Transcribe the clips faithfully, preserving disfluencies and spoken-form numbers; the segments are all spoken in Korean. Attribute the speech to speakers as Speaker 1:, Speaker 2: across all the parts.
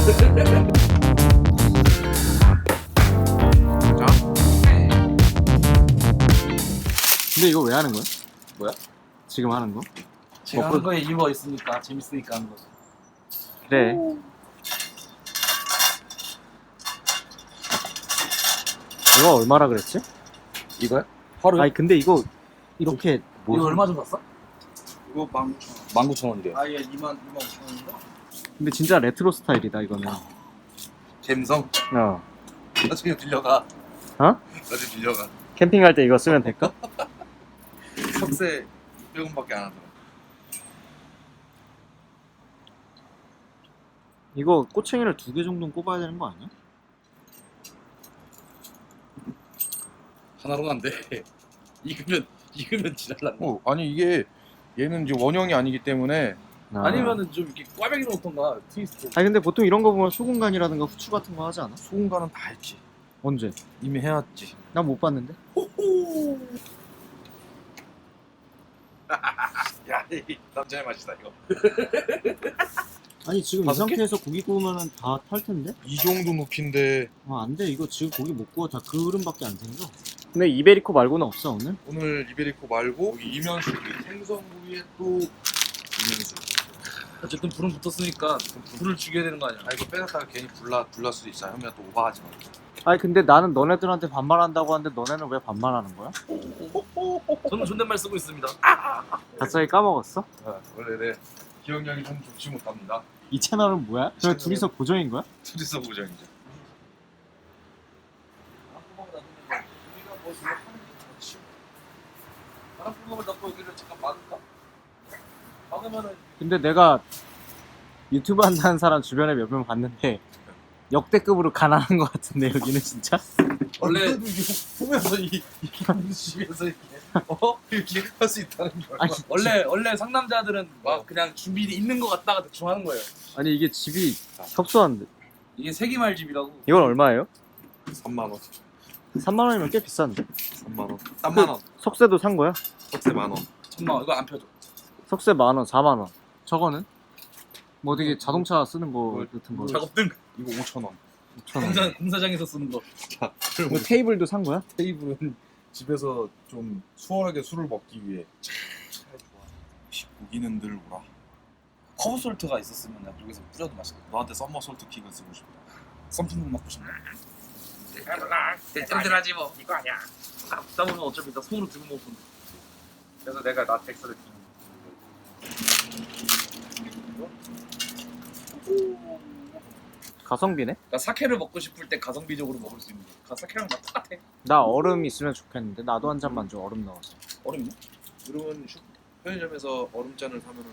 Speaker 1: 자. 근데 이거 왜 하는 거야?
Speaker 2: 뭐야?
Speaker 1: 지금 하는 거?
Speaker 2: 제가
Speaker 1: 먹고-
Speaker 2: 하는 거에 이유가 있으니까 재밌으니까 하는 거죠.
Speaker 1: 그래. 이거 얼마라 그랬지?
Speaker 2: 이거요? 하루에?
Speaker 1: 아니 근데 이거 이렇게 뭐
Speaker 2: 이거 얼마 정도 샀어?
Speaker 3: 이거 만 구천 원.
Speaker 2: 만 구천 원이래요.
Speaker 3: 아예 이만 이만 오천 원인가?
Speaker 1: 근데 진짜 레트로 스타일이다 이거는.
Speaker 3: 갬성.
Speaker 1: 어.
Speaker 3: 나중에 빌려가.
Speaker 1: 어?
Speaker 3: 나중에 빌려가.
Speaker 1: 캠핑 갈 때 이거 쓰면 될까?
Speaker 3: 석세 백 원밖에 안 하더라.
Speaker 1: 이거 꼬챙이를 두 개 정도는 꼽아야 되는 거 아니야?
Speaker 2: 하나로는 안 돼. 익으면 익으면 지랄난다.
Speaker 3: 어 아니 이게 얘는 이제 원형이 아니기 때문에
Speaker 1: 아.
Speaker 2: 아니면은 좀 이렇게 꽈배기 놓던가 트위스트.
Speaker 1: 아니 근데 보통 이런 거 보면 소금간이라든가 후추 같은 거 하지 않아?
Speaker 3: 소금간은 다 했지.
Speaker 1: 언제?
Speaker 3: 이미 해왔지.
Speaker 1: 난 못 봤는데.
Speaker 3: 야, 이 남자의 맛이다 이거.
Speaker 1: 아니 지금 이
Speaker 2: 다섯 개?
Speaker 1: 상태에서 고기 구우면은 다 탈 텐데?
Speaker 3: 이 정도 높인데
Speaker 1: 아 안 돼. 이거 지금 고기 못 구워. 다 그릇밖에 안 생겨. 근데 이베리코 말고는 없어 오늘?
Speaker 3: 오늘 이베리코 말고 여기 이면수 생선 부위에 또 이면수.
Speaker 2: 어쨌든 불은 붙었으니까 불을 죽여야 되는 거 아니야?
Speaker 3: 아 이거 빼놨다가 괜히 불나 불날 수도 있어. 형이가 또 오버하지 마.
Speaker 1: 아니 근데 나는 너네들한테 반말한다고 하는데 너네는 왜 반말하는 거야?
Speaker 2: 저는 존댓말 쓰고 있습니다.
Speaker 1: 갑자기 까먹었어?
Speaker 3: 아, 원래 내 기억력이 좀 좋지 못합니다.
Speaker 1: 이 채널은 뭐야? 그냥
Speaker 3: 채널은-
Speaker 1: 둘이서 고정인 거야?
Speaker 3: 투지서 부정이죠.
Speaker 2: 바람 구멍을 넣고 여기를 잠깐 막을까? 막으면은
Speaker 1: 근데 내가 유튜브 한다는 사람 주변에 몇 명 봤는데 역대급으로 가난한 것 같은데 여기는 진짜?
Speaker 2: 원래-
Speaker 3: 원래 보면서 이 이렇게 집에서 이렇게 어 이렇게 할 수 있다는 걸.
Speaker 1: 아니,
Speaker 2: 원래 원래 상남자들은 막 그냥 준비 있는 거 같다가 대충 하는 거예요.
Speaker 1: 아니 이게 집이 협소한데
Speaker 2: 이게 세기말 집이라고.
Speaker 1: 이건 얼마예요?
Speaker 3: 삼만 원.
Speaker 1: 삼만 원이면 꽤 비싼데?
Speaker 3: 삼만 원. 삼만 원.
Speaker 1: 석쇠도 산 거야?
Speaker 3: 석세 만 원.
Speaker 2: 천만 원 이거 안 펴줘.
Speaker 1: 석쇠 만 원, 사만 원. 저거는? 뭐 되게 자동차 쓰는 거 같은 거.
Speaker 2: 작업등
Speaker 3: 이거 오천 원.
Speaker 1: 오천 원.
Speaker 2: 공사 공사장에서 쓰는 거.
Speaker 3: 자,
Speaker 1: 뭐 테이블도 산 거야?
Speaker 3: 테이블은 집에서 좀 수월하게 술을 먹기 위해. 참 좋아. 고기는 늘 오라.
Speaker 2: 커브 솔트가 있었으면 나 여기서 뿌려도 맛있겠다.
Speaker 3: 너한테 썸머 솔트 킥을 쓰고 싶다.
Speaker 2: 썸핑 먹고 싶네. 땜들하지 뭐. 이거 아니야. 먹다 보면 어차피 나 손으로 들고 먹고.
Speaker 3: 그래서 내가 나 텍스를
Speaker 1: 가성비네?
Speaker 2: 나 사케를 먹고 싶을 때 가성비적으로 먹을 수 있는 거. 사케랑 다 똑같아.
Speaker 1: 나 얼음 있으면 좋겠는데 나도 한 잔만 줘 얼음 넣어서.
Speaker 2: 얼음이요?
Speaker 3: 그러면 슈- 편의점에서 얼음잔을 사면은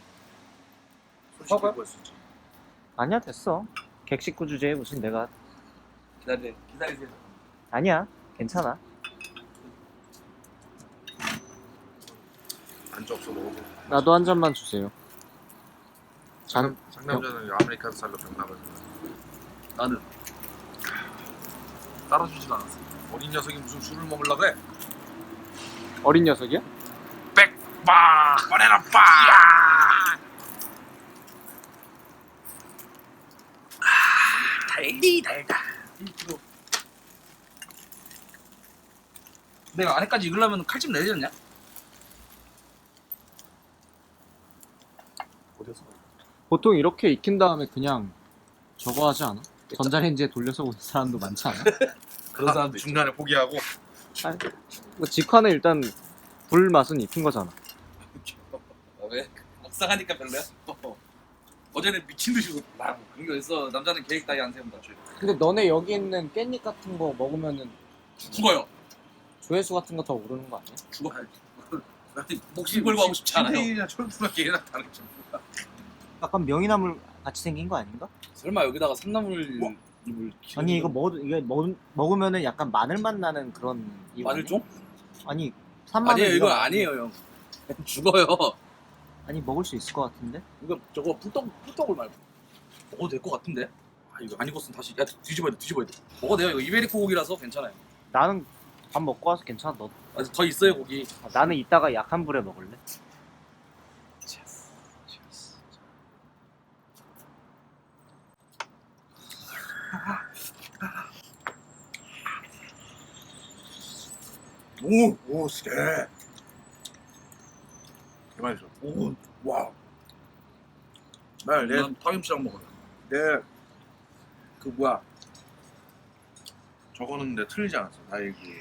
Speaker 2: 사과요?
Speaker 3: 구할 수 있지.
Speaker 1: 아니야 됐어. 객식구 주제에 무슨 내가
Speaker 2: 기다려 기다리세요.
Speaker 1: 아니야 괜찮아.
Speaker 3: 안주 없어 먹어보.
Speaker 1: 나도 한 잔만 주세요. 잔
Speaker 3: 상남자는 아메리칸 스타일로 병나가지고
Speaker 2: 나는 따라주질 않았어.
Speaker 3: 어린 녀석이 무슨 술을 먹으려 그래?
Speaker 1: 어린 녀석이야?
Speaker 3: 빠! 꺼내라 빠!
Speaker 2: 달디 달다. 내가 안에까지 익으려면 칼집 내야 되지 않냐?
Speaker 3: 어디서?
Speaker 1: 보통 이렇게 익힌 다음에 그냥 저거 하지 않아? 전자레인지에 돌려서 오는 사람도 많지 않아?
Speaker 2: 그런 사람도 있죠.
Speaker 3: 중간에 포기하고
Speaker 1: 아니, 뭐 직화는 일단 불 맛은 익힌 거잖아.
Speaker 2: 아, 왜? 막상 하니까 별로야? 어제는 미친 듯이 막 그런 게 있어. 남자는 계획 따위 안 세운다.
Speaker 1: 근데 너네 여기 있는 깻잎 같은 거 먹으면은
Speaker 2: 죽어요.
Speaker 1: 조회수 같은 거 더 오르는 거 아니야?
Speaker 2: 죽어요. 목숨 걸고 하고 싶지 않아요.
Speaker 3: 신태일이나 철수나 걔랑 다르죠.
Speaker 1: 약간 명이나물 같이 생긴 거 아닌가?
Speaker 2: 설마 여기다가 삼나물
Speaker 3: 뭐?
Speaker 2: 잎을
Speaker 1: 아니 이거 먹 이게 먹 먹으면은 약간 마늘 맛 나는 그런 이거
Speaker 2: 마늘
Speaker 1: 아니야?
Speaker 2: 좀?
Speaker 1: 아니 산마늘
Speaker 2: 아니에요 이거
Speaker 1: 이런 거
Speaker 2: 아니에요 형. 죽어요.
Speaker 1: 아니 먹을 수 있을 것 같은데?
Speaker 2: 이거 저거 불떡 불떡을 말고 먹어도 될 것 같은데? 아 이거 안 익었으면 다시 야 뒤집어야 돼 뒤집어야 돼. 먹어도 돼요. 이거 이베리코 고기라서 괜찮아요.
Speaker 1: 나는 밥 먹고 와서 괜찮아. 너
Speaker 2: 아, 더 있어요 고기.
Speaker 1: 아, 나는 이따가 약한 불에 먹을래.
Speaker 3: 오, 오, 쎄. 개맛있어. 오, 와. 나 내,
Speaker 2: 난 파김치랑 먹어요.
Speaker 3: 내, 그 뭐야. 저거는 내 틀리지 않았어. 나의 그.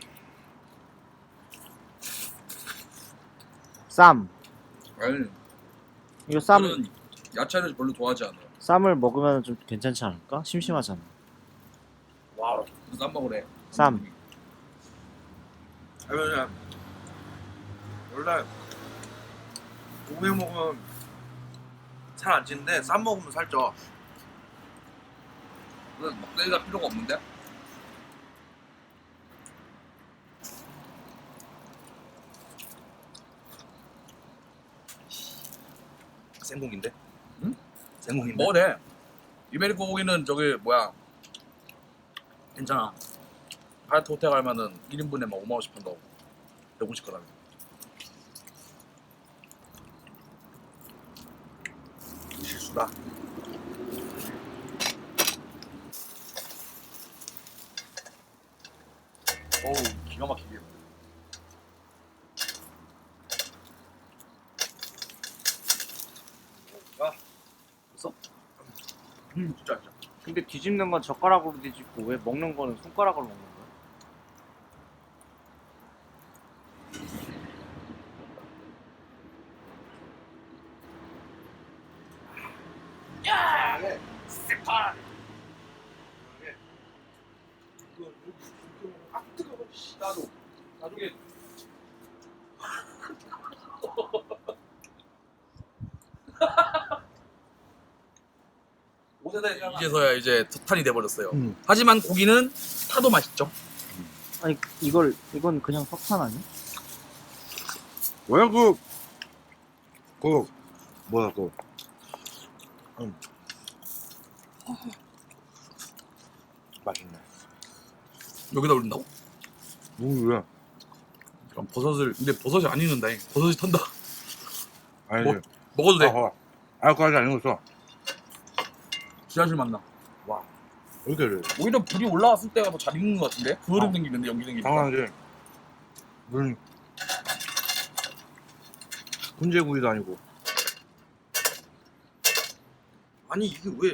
Speaker 1: 쌈.
Speaker 2: 아니,
Speaker 1: 이거 쌈
Speaker 2: 저는 야채를 별로 좋아하지 않아요.
Speaker 1: 쌈을 먹으면 좀 괜찮지 않을까? 심심하잖아.
Speaker 2: 와, 쌈 먹으래.
Speaker 1: 쌈.
Speaker 3: 그냥 원래 고기 먹으면 살 안 찌는데 쌈 먹으면 살쪄.
Speaker 2: 그래서 먹대기가 필요가 없는데?
Speaker 3: 생고기인데?
Speaker 2: 응?
Speaker 3: 생고기인데?
Speaker 2: 먹으래. 이베리코 고기는 저기 뭐야 괜찮아. 하얏트 호텔 가면은 일 인분에 막 오만 원씩 판다고. 백오십 그램.
Speaker 3: 실수다.
Speaker 2: 어우, 기가 막히게.
Speaker 3: 아,
Speaker 2: 됐어?
Speaker 3: 음, 진짜 진짜.
Speaker 1: 근데 뒤집는 건 젓가락으로 뒤집고 왜 먹는 거는 손가락으로 먹는 거야?
Speaker 2: 야! 스파!
Speaker 3: 이거 이거 아 뜨거워. 씨, 나도 나중에
Speaker 2: 이제서야 이제 석탄이 돼버렸어요.
Speaker 1: 음.
Speaker 2: 하지만 고기는 타도 맛있죠.
Speaker 1: 아니 이걸 이건 그냥 석탄 아니야?
Speaker 3: 뭐야 그, 그 뭐야 그, 음. 맛있네.
Speaker 2: 여기다 올린다고?
Speaker 3: 뭐야?
Speaker 2: 그럼 버섯을 근데 버섯이 안 익는다. 버섯이 탄다.
Speaker 3: 아니,
Speaker 2: 뭐? 먹어도 돼.
Speaker 3: 아, 아, 그거 아직 안 익었어.
Speaker 2: 지하실 만나.
Speaker 3: 와, 왜 이렇게 이래?
Speaker 2: 오히려 불이 올라왔을 때가 더 잘 익는 것 같은데? 그을음
Speaker 3: 어.
Speaker 2: 생기는데 연기 생기니까.
Speaker 3: 당연하지. 무슨 훈제구이도 아니고. 아니 이게 왜?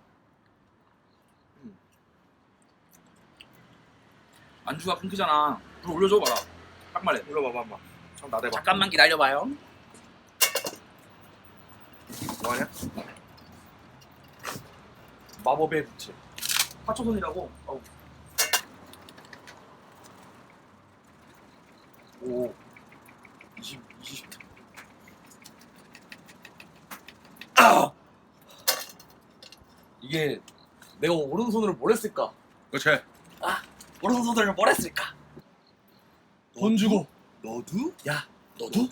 Speaker 2: 안주가 끊기잖아. 불 올려줘 봐라. 딱 말해.
Speaker 3: 올려봐봐 한번. 참 나대봐.
Speaker 2: 잠깐만 기다려봐요.
Speaker 3: 뭐하냐?
Speaker 2: 마법의 부채. 화초선이라고. 어우. 오. 이십, 이십. 아! 이게 내가 오른손으로 뭘 했을까?
Speaker 3: 그렇지.
Speaker 2: 오른손으로 뭘 했을까? 돈 주고.
Speaker 3: 너도?
Speaker 2: 야, 너도?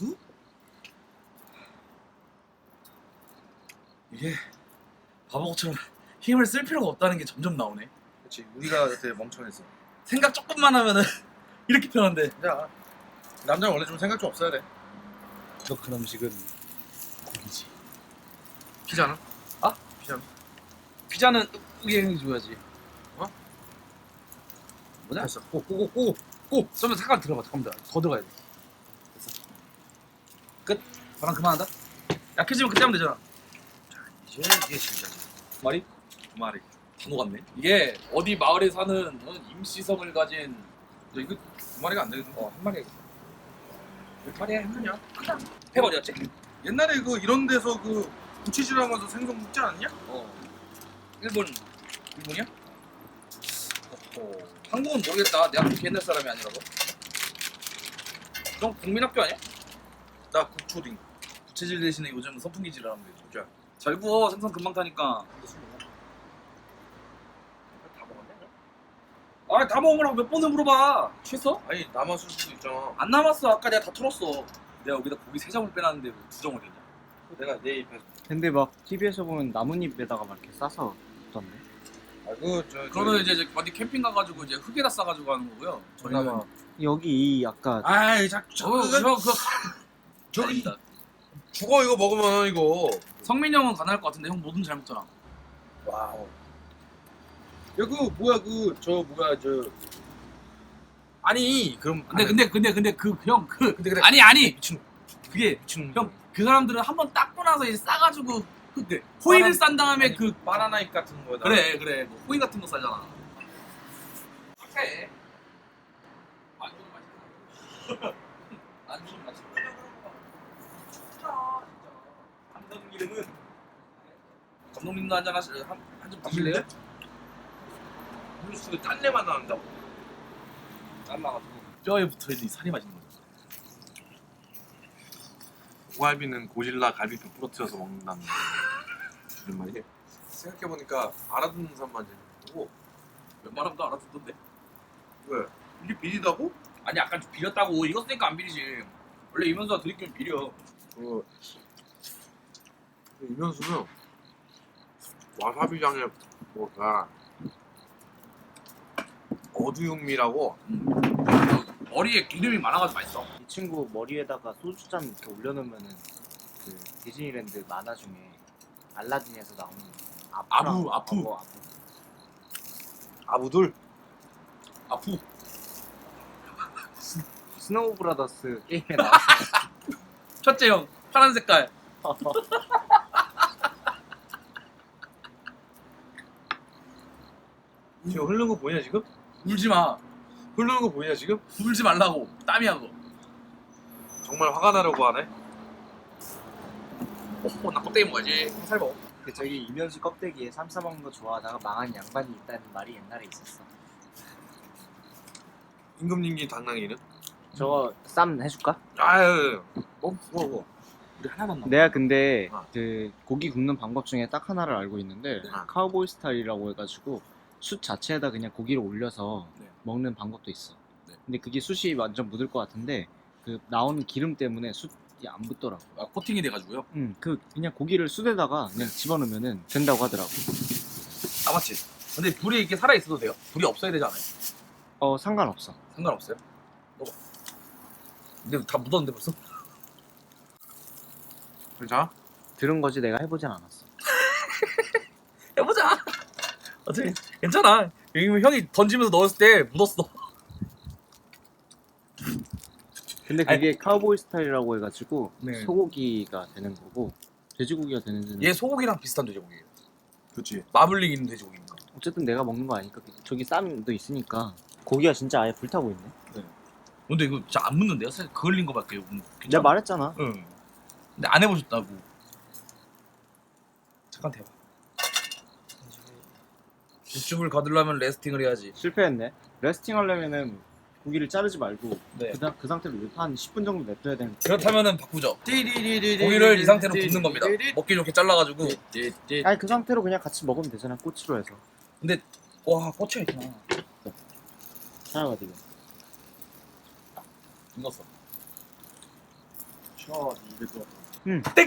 Speaker 2: 이게 바보처럼 힘을 쓸 필요가 없다는 게 점점 나오네.
Speaker 3: 그렇지. 우리가 그때 멍청했어.
Speaker 2: 생각 조금만 하면은 이렇게 편한데.
Speaker 3: 자, 남자는 원래 좀 생각 좀 없어야 돼.
Speaker 2: 부족한 음식은 고기지.
Speaker 3: 피자는?
Speaker 2: 아?
Speaker 3: 피자는?
Speaker 2: 피자는 으게 줘야지.
Speaker 3: 어?
Speaker 2: 뭐냐?
Speaker 3: 됐어.
Speaker 2: 꼬꼬꼬꼬 꼬. 좀 잠깐 들어봐. 잠깐만 더 들어가야 돼. 됐어. 끝. 바람 그만한다. 약해지면 그때 하면 되잖아.
Speaker 3: 이제 이게 진짜
Speaker 2: 두 마리?
Speaker 3: 두 마리.
Speaker 2: 다 녹았네. 이게 어디 마을에 사는 임시성을 가진
Speaker 3: 야, 이거 두 마리가 안 되겠네.
Speaker 2: 어 한 마리. 몇 마리야 했느냐? 크다. 팩 어디였지?
Speaker 3: 옛날에 그 이런 데서 그 부치질하면서 생선 굽지 않았냐?
Speaker 2: 어. 일본 일본이야? 어. 한국은 모르겠다. 내 학교 옛날 사람이 아니라서. 그럼 국민학교 아니야?
Speaker 3: 나 국초딩.
Speaker 2: 부채질 대신에 요즘 선풍기질을 하면 되죠.
Speaker 3: 자,
Speaker 2: 잘 구워. 생선 금방 타니까.
Speaker 3: 다 먹었냐?
Speaker 2: 아, 다 먹으라고 몇 번을 물어봐. 취했어?
Speaker 3: 아니 남았을 수도 있잖아.
Speaker 2: 안 남았어. 아까 내가 다 털었어. 내가 여기다 고기 세 점을 빼놨는데 왜 두 점을 했냐?
Speaker 3: 내가 내 입에.
Speaker 1: 근데 막 티비에서 보면 나뭇잎에다가 막 이렇게 싸서 던데.
Speaker 3: 아그 저.
Speaker 2: 그러면 이제 이제 어디 캠핑 가가지고 이제 흙에다 싸가지고 하는 거고요. 저희는
Speaker 3: 그나마.
Speaker 1: 여기 이 아까
Speaker 3: 아이 자, 저,
Speaker 2: 저거
Speaker 3: 저,
Speaker 2: 그거 그거
Speaker 3: 저기
Speaker 2: 아닙니다.
Speaker 3: 죽어 이거 먹으면 이거.
Speaker 2: 성민이 형은 가능할 것 같은데 형 뭐든 잘 먹잖아.
Speaker 3: 와우. 야 그 뭐야 그 저 뭐야 저
Speaker 4: 아니 그럼
Speaker 2: 근데 근데 근데 근데 그 형 그
Speaker 4: 근데 그래
Speaker 2: 아니 아니
Speaker 4: 미친
Speaker 2: 그게
Speaker 4: 미친
Speaker 2: 형 그 사람들은 한 번 닦고 나서 이제 싸가지고 그 호일을 싼 다음에
Speaker 4: 아니,
Speaker 2: 그
Speaker 4: 바나나 잎 같은 거다.
Speaker 2: 그래 그래 뭐 호일 같은 거 싸잖아. 착해. 안주는 맛있다. 안주는 맛있다.
Speaker 4: 감독님은
Speaker 2: 감독님도 한잔 하시 한한잔 드실래요?
Speaker 4: 음료수가 짠내만 나는다고.
Speaker 2: 잘라가지고 뼈에 붙어있는 이 살이 맛있는 거죠.
Speaker 5: 오갈비는 고질라 갈비뼈 부러뜨려서 먹는다는 그런 말이에요.
Speaker 4: 생각해보니까 알아듣는 사람만 재밌고
Speaker 2: 웬만하면 알아듣던데.
Speaker 4: 왜? 이게 비리다고?
Speaker 2: 아니 약간 좀 비렸다고. 이거 쓰니까 안 비리지. 원래 이면수가 드립기면 비려.
Speaker 4: 그 이면수는 와사비장에 뭐가 어두육미라고
Speaker 2: 머리에 기름이 많아가지고 맛있어.
Speaker 1: 이 친구 머리에다가 소주잔 이렇게 올려놓으면은 그 디즈니랜드 만화 중에 알라딘에서 나오는
Speaker 2: 아부, 아부.
Speaker 1: 어, 아부.
Speaker 4: 아부들
Speaker 2: 아프.
Speaker 1: 스노우 브라더스 게임에 나왔어.
Speaker 2: 첫째 형 파란 색깔.
Speaker 4: 지금 흐르는 거 보이냐 지금?
Speaker 2: 울지 마.
Speaker 4: 흐르는 거 보이냐 지금?
Speaker 2: 울지 말라고. 땀이야 그거.
Speaker 4: 정말 화가 나려고 하네.
Speaker 2: 어, 나 껍데기 먹어야지. 살 먹어.
Speaker 1: 그 저기 이면수 껍데기에 삼 싸먹는 거 좋아하다가 망한 양반이 있다는 말이 옛날에 있었어.
Speaker 4: 임금님기 당나귀는?
Speaker 1: 저거 쌈 해줄까?
Speaker 4: 아유 뭐 뭐 뭐.
Speaker 2: 우리 하나만 남아.
Speaker 1: 내가 근데
Speaker 4: 어.
Speaker 1: 그 고기 굽는 방법 중에 딱 하나를 알고 있는데
Speaker 4: 어.
Speaker 1: 카우보이 스타일이라고 해가지고 숯 자체에다 그냥 고기를 올려서
Speaker 2: 네.
Speaker 1: 먹는 방법도 있어.
Speaker 2: 네.
Speaker 1: 근데 그게 숯이 완전 묻을 것 같은데 그 나오는 기름 때문에 숯이 안 붙더라고.
Speaker 2: 아, 코팅이 돼가지고요.
Speaker 1: 응, 그 그냥 고기를 숯에다가 그냥 집어넣으면은 된다고 하더라고.
Speaker 2: 아 맞지. 근데 불이 이렇게 살아 있어도 돼요? 불이 없어야 되지 않아요?
Speaker 1: 어 상관없어.
Speaker 2: 상관없어요. 먹어. 근데 다 묻었는데 벌써?
Speaker 4: 괜찮아?
Speaker 1: 들은 거지 내가 해보진 않았어.
Speaker 2: 해보자. 어차피 괜찮아. 여기 형이 던지면서 넣었을 때 묻었어.
Speaker 1: 근데 그게 카우보이 스타일이라고 해가지고
Speaker 2: 네.
Speaker 1: 소고기가 되는 거고 돼지고기가 되는 데는
Speaker 2: 얘 소고기랑 비슷한 돼지고기예요.
Speaker 4: 그치.
Speaker 2: 마블링 있는 돼지고기니까.
Speaker 1: 어쨌든 내가 먹는 거 아니까 저기 쌈도 있으니까 고기가 진짜 아예 불타고 있네.
Speaker 2: 근데 이거 진짜 안 묻는데요? 사실 그을린 거밖에 없는.
Speaker 1: 내가 말했잖아.
Speaker 2: 응. 근데 안 해보셨다고. 잠깐 대봐. 육즙을 거두려면 레스팅을 해야지.
Speaker 1: 실패했네. 레스팅 하려면은 고기를 자르지 말고
Speaker 2: 네.
Speaker 1: 그, 다- 그 상태로 한 십 분 정도 냅둬야 되는.
Speaker 2: 그렇다면은 바꾸죠. 고기를 이 상태로 굽는 겁니다. 먹기 좋게 잘라가지고.
Speaker 1: 아니 그 상태로 그냥 같이 먹으면 되잖아. 꼬치로 해서.
Speaker 2: 근데 와 꽂혀 있구나.
Speaker 1: 하나가 지금.
Speaker 2: 익었어.
Speaker 4: 쳐 입에 들어.
Speaker 1: 응.
Speaker 2: 땡.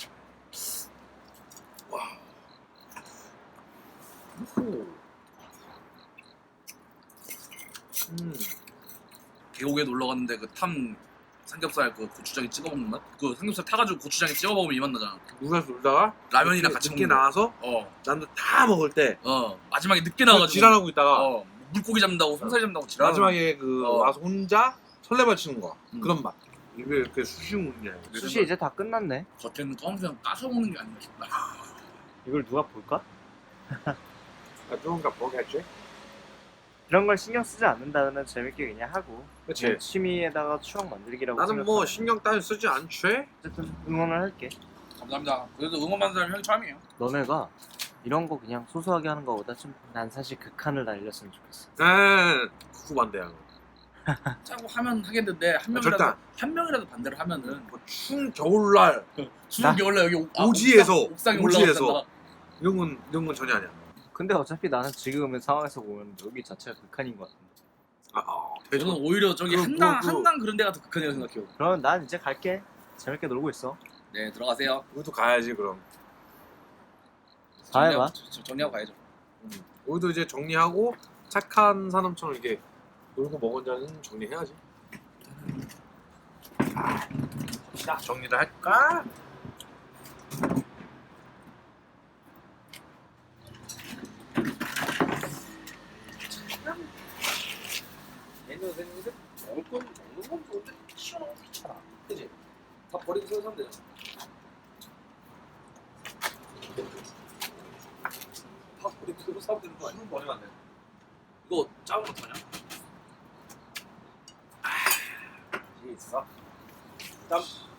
Speaker 4: 음.
Speaker 2: 계곡에 놀러 갔는데 그 탐 삼겹살 그 고추장에 찍어 먹는 맛? 그 삼겹살 타가지고 고추장에 찍어 먹으면 이 맛 나잖아.
Speaker 4: 누가 놀다가
Speaker 2: 라면이랑
Speaker 4: 늦게-
Speaker 2: 같이
Speaker 4: 늦게
Speaker 2: 먹는 거.
Speaker 4: 나와서
Speaker 2: 어,
Speaker 4: 남들 다 먹을 때
Speaker 2: 어. 마지막에 늦게
Speaker 4: 그
Speaker 2: 나와가지고.
Speaker 4: 지랄하고 있다가
Speaker 2: 어, 물고기 잡는다고 송사리 잡는다고 지랄.
Speaker 4: 마지막에 그
Speaker 2: 어.
Speaker 4: 와서 혼자 설레발 치는 거야.
Speaker 2: 음.
Speaker 4: 그런 맛. 입에 이렇게 수시 먹냐.
Speaker 1: 수시 이제 다 끝났네.
Speaker 2: 겉에는 검은색 까서 먹는 게 아닌가 싶다.
Speaker 1: 이걸 누가 볼까?
Speaker 4: 조금가 보겠지.
Speaker 1: 이런 걸 신경 쓰지 않는다면 재밌게 그냥 하고
Speaker 4: 그치.
Speaker 1: 그냥 취미에다가 추억 만들기라고
Speaker 4: 나는 뭐
Speaker 1: 생각하면
Speaker 4: 신경 따위 쓰지 않지.
Speaker 1: 어쨌든 응원을 할게.
Speaker 2: 감사합니다. 그래도 응원받는 사람이 형이 처음이에요.
Speaker 1: 너네가 이런 거 그냥 소소하게 하는 거보다 좀 난 사실 극한을 달렸으면 좋겠어.
Speaker 4: 네, 그거 반대야.
Speaker 2: 짜고 하면 하겠는데 한
Speaker 4: 절대
Speaker 2: 명이라도
Speaker 4: 안.
Speaker 2: 한 명이라도 반대를 하면은
Speaker 4: 뭐 추운 겨울날
Speaker 2: 추운 겨울날 여기 옥- 아,
Speaker 4: 오지에서,
Speaker 2: 옥상, 옥상에
Speaker 4: 오지에서.
Speaker 2: 올라간다.
Speaker 4: 이런 건 이런 건 전혀 아니야.
Speaker 1: 근데 어차피 나는 지금의 상황에서 보면 여기 자체가 극한인 것 같은데.
Speaker 4: 아, 아
Speaker 2: 저는
Speaker 4: 대전.
Speaker 2: 오히려 저기
Speaker 4: 그,
Speaker 2: 한강
Speaker 4: 그, 그.
Speaker 2: 한강 그런 데가 더 극한이라고 생각해요.
Speaker 1: 그러면 난 이제 갈게. 재밌게 놀고 있어.
Speaker 2: 네 들어가세요.
Speaker 4: 우리도 가야지 그럼.
Speaker 1: 다 해봐.
Speaker 2: 정리하고, 저- 정리하고 가야죠.
Speaker 4: 음. 우리도 이제 정리하고 착한 사람처럼 이렇게 놀고 먹은 자는 정리해야지. 자, 정리를 할까?
Speaker 1: 얘는
Speaker 4: 선생님들 먹을 건 먹는 건 좋은데 치워놓으면 귀찮아. 그지? 다 버리고 새로 사면 되잖아. 다 버리고 새로 사면 되는 거 아니야? 버리면 안 돼. 이거 작은 거 타냐? 아, 있어. 짬.